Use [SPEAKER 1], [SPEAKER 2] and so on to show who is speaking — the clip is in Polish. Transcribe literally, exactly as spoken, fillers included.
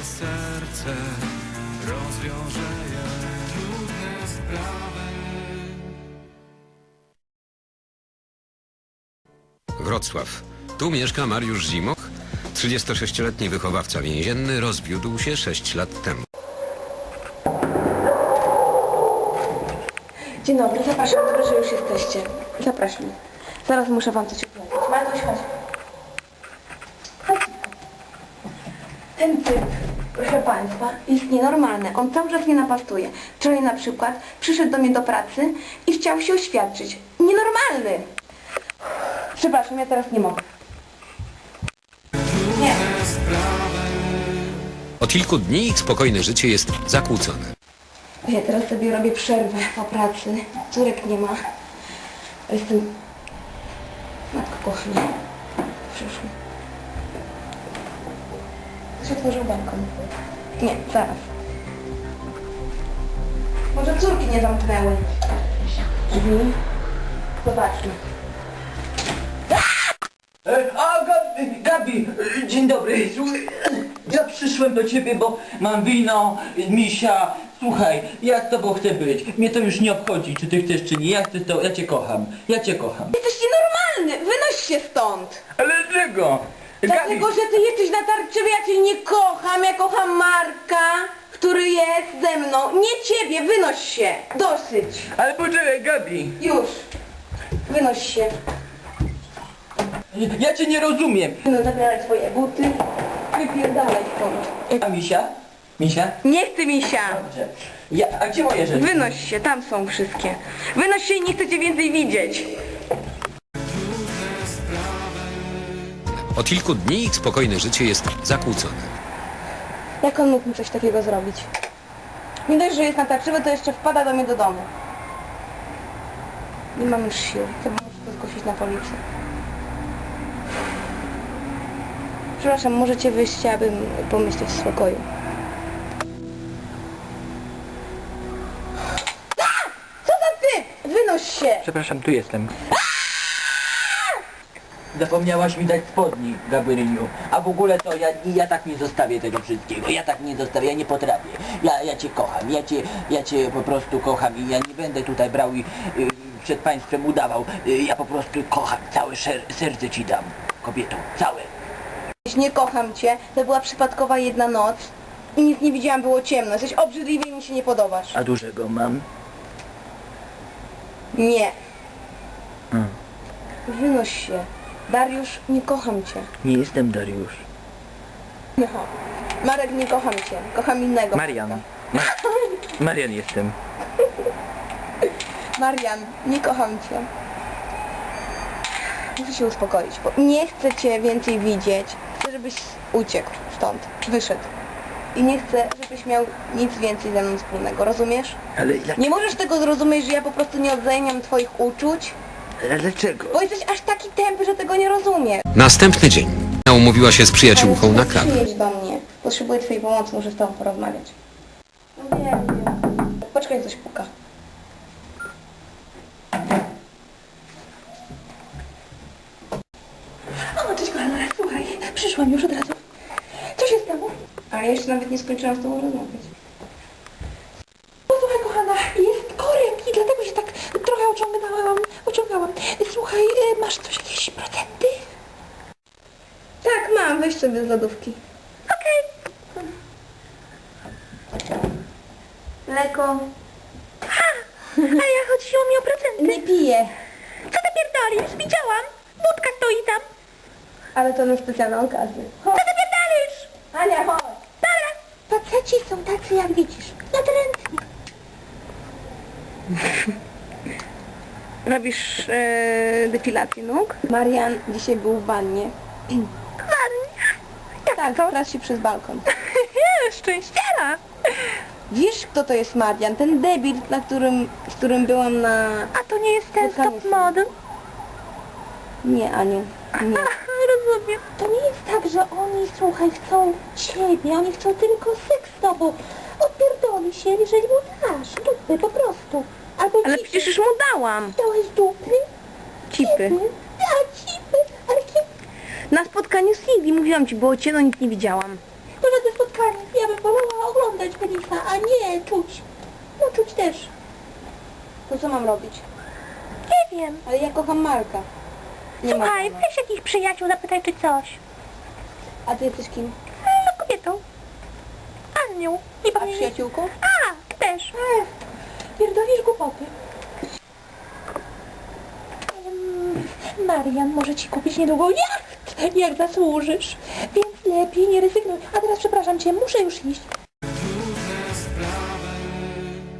[SPEAKER 1] serce rozwiąże je trudne sprawy.
[SPEAKER 2] Wrocław. Tu mieszka Mariusz Zimoch, trzydziestosześcioletni wychowawca więzienny, rozwiódł się sześć lat temu.
[SPEAKER 3] Dzień dobry, zapraszam, dobrze, że już jesteście. Zapraszam. Zaraz muszę wam coś opowiedzieć. Martuś, chodź. Chodź. Ten typ, proszę państwa, jest nienormalny. On cały czas mnie napastuje. Wczoraj na przykład przyszedł do mnie do pracy i chciał się oświadczyć. Nienormalny! Przepraszam, ja teraz nie mogę. Nie.
[SPEAKER 2] Od kilku dni ich spokojne życie jest zakłócone.
[SPEAKER 3] Ja teraz sobie robię przerwę po pracy. Córek nie ma. Jestem... Matko kochana. Przyszły. Ktoś otworzył balkon. Nie, zaraz. Może córki nie zamknęły drzwi. Zobaczmy.
[SPEAKER 4] A, Gabi, Gabi, dzień dobry. Słuchaj, ja przyszłem do ciebie, bo mam wino, misia. Słuchaj, ja z tobą chcę być. Mnie to już nie obchodzi, czy ty chcesz, czy nie. Ja chcę z tobą, ja cię kocham. Ja cię kocham.
[SPEAKER 3] Jesteś nienormalny! Wynoś się stąd!
[SPEAKER 4] Ale dlaczego?
[SPEAKER 3] Dlatego, że ty jesteś natarczywy, ja cię nie kocham. Ja kocham Marka, który jest ze mną. Nie ciebie, wynoś się! Dosyć!
[SPEAKER 4] Ale poczekaj, Gabi.
[SPEAKER 3] Już! Wynoś się.
[SPEAKER 4] Ja cię nie rozumiem.
[SPEAKER 3] No zabieraj swoje buty. Wypierdalaj stąd.
[SPEAKER 4] A misia? Misia?
[SPEAKER 3] Nie chcę misia!
[SPEAKER 4] Dobrze. Ja, a gdzie moje rzeczy?
[SPEAKER 3] Wynoś się, tam są wszystkie. Wynoś się i nie chcę cię więcej widzieć.
[SPEAKER 2] Od kilku dni ich spokojne życie jest zakłócone.
[SPEAKER 3] Jak on mógł mi coś takiego zrobić? Nie dość, że jest natarczywy, to jeszcze wpada do mnie do domu. Nie mam już sił. Chyba muszę to zgłosić na policję. Przepraszam, możecie wyjść, abym pomyśleć w spokoju. A! Co za ty? Wynoś się!
[SPEAKER 4] Przepraszam, tu jestem. Zapomniałaś mi dać spodni, Gabrieliu. A w ogóle to ja, ja tak nie zostawię tego wszystkiego. Ja tak nie zostawię, ja nie potrafię. Ja, ja cię kocham, ja cię, ja cię po prostu kocham i ja nie będę tutaj brał i y, przed państwem udawał. Y, ja po prostu kocham, całe szer serce ci dam, kobieto, całe.
[SPEAKER 3] Nie kocham cię, to była przypadkowa jedna noc i nic nie widziałam, było ciemno. Jesteś obrzydliwy i mi się nie podobasz.
[SPEAKER 4] A dużego mam?
[SPEAKER 3] Nie.
[SPEAKER 4] Hmm.
[SPEAKER 3] Wynoś się. Dariusz, nie kocham cię.
[SPEAKER 4] Nie jestem Dariusz.
[SPEAKER 3] No. Marek, nie kocham cię. Kocham innego.
[SPEAKER 4] Marian.
[SPEAKER 3] Marka.
[SPEAKER 4] Ma Marian jestem.
[SPEAKER 3] Marian, nie kocham cię. Muszę się uspokoić, bo nie chcę cię więcej widzieć. Chcę, żebyś uciekł stąd, wyszedł. I nie chcę, żebyś miał nic więcej ze mną wspólnego, rozumiesz?
[SPEAKER 4] Ale jak...
[SPEAKER 3] Nie możesz tego zrozumieć, że ja po prostu nie odzajmiam twoich uczuć?
[SPEAKER 4] Ale dlaczego?
[SPEAKER 3] Bo jesteś aż taki tępy, że tego nie rozumiesz.
[SPEAKER 2] Następny dzień. Umówiła się z przyjaciółką na kawę.
[SPEAKER 3] Przyjedź do mnie. Potrzebuję twojej pomocy, muszę z tobą porozmawiać. No nie wiem. Poczekaj, coś puka. O, cześć kochana, słuchaj, przyszłam już od razu. Co się stało? Ale jeszcze nawet nie skończyłam z tobą rozmawiać.
[SPEAKER 5] No słuchaj kochana, jest korek i dlatego się tak trochę ociągnęłam, ociągałam. Słuchaj, y, masz coś, jakieś procenty?
[SPEAKER 3] Tak, mam, weź sobie z lodówki.
[SPEAKER 5] Okej.
[SPEAKER 3] Mleko.
[SPEAKER 5] A ja chodziło mi o procenty.
[SPEAKER 3] Nie piję,
[SPEAKER 5] Co ty pierdolisz? Widziałam. Budka stoi tam.
[SPEAKER 3] ale to na specjalną okazję.
[SPEAKER 5] Co ty pierdolisz?
[SPEAKER 3] Ania, chodź.
[SPEAKER 5] Dobra. Faceci są tacy, jak widzisz. Natrętni.
[SPEAKER 3] Robisz e, depilację nóg? Marian dzisiaj był w wannie.
[SPEAKER 5] Ładnie.
[SPEAKER 3] Tak, teraz się przez balkon.
[SPEAKER 5] Szczęściara.
[SPEAKER 3] Wiesz, kto to jest Marian? Ten debil, na którym, z którym byłam na...
[SPEAKER 5] A to nie jest ten
[SPEAKER 3] Spotkanie
[SPEAKER 5] stop
[SPEAKER 3] z-
[SPEAKER 5] model?
[SPEAKER 3] Nie, Aniu, nie.
[SPEAKER 5] Rozumiem. To nie jest tak, że oni, słuchaj, chcą ciebie, oni chcą tylko seks z tobą. Odpierdoli się, jeżeli mu dasz dupy, po prostu. Albo
[SPEAKER 3] Ale
[SPEAKER 5] cipy.
[SPEAKER 3] przecież już mu dałam.
[SPEAKER 5] Dałeś dupy?
[SPEAKER 3] Cipy.
[SPEAKER 5] A, cipy. Ale kiedy?
[SPEAKER 3] Na spotkaniu z Silvi, mówiłam ci, było ciemno, nic nie widziałam.
[SPEAKER 5] To żadne spotkanie. Ja penisa, a nie czuć. No czuć też.
[SPEAKER 3] To co mam robić?
[SPEAKER 5] Nie wiem.
[SPEAKER 3] Ale ja kocham Marka. Nie ma.
[SPEAKER 5] Słuchaj, weź jakichś przyjaciół, zapytaj czy coś.
[SPEAKER 3] A ty jesteś kim?
[SPEAKER 5] No kobietą. Annią. Nie
[SPEAKER 3] A
[SPEAKER 5] powinien...
[SPEAKER 3] przyjaciółką?
[SPEAKER 5] A, ty też. Ech, pierdolisz głupoty. Mm, Marian może ci kupić niedługo jacht, jak zasłużysz. Więc lepiej nie rezygnuj. A teraz przepraszam cię, muszę już iść.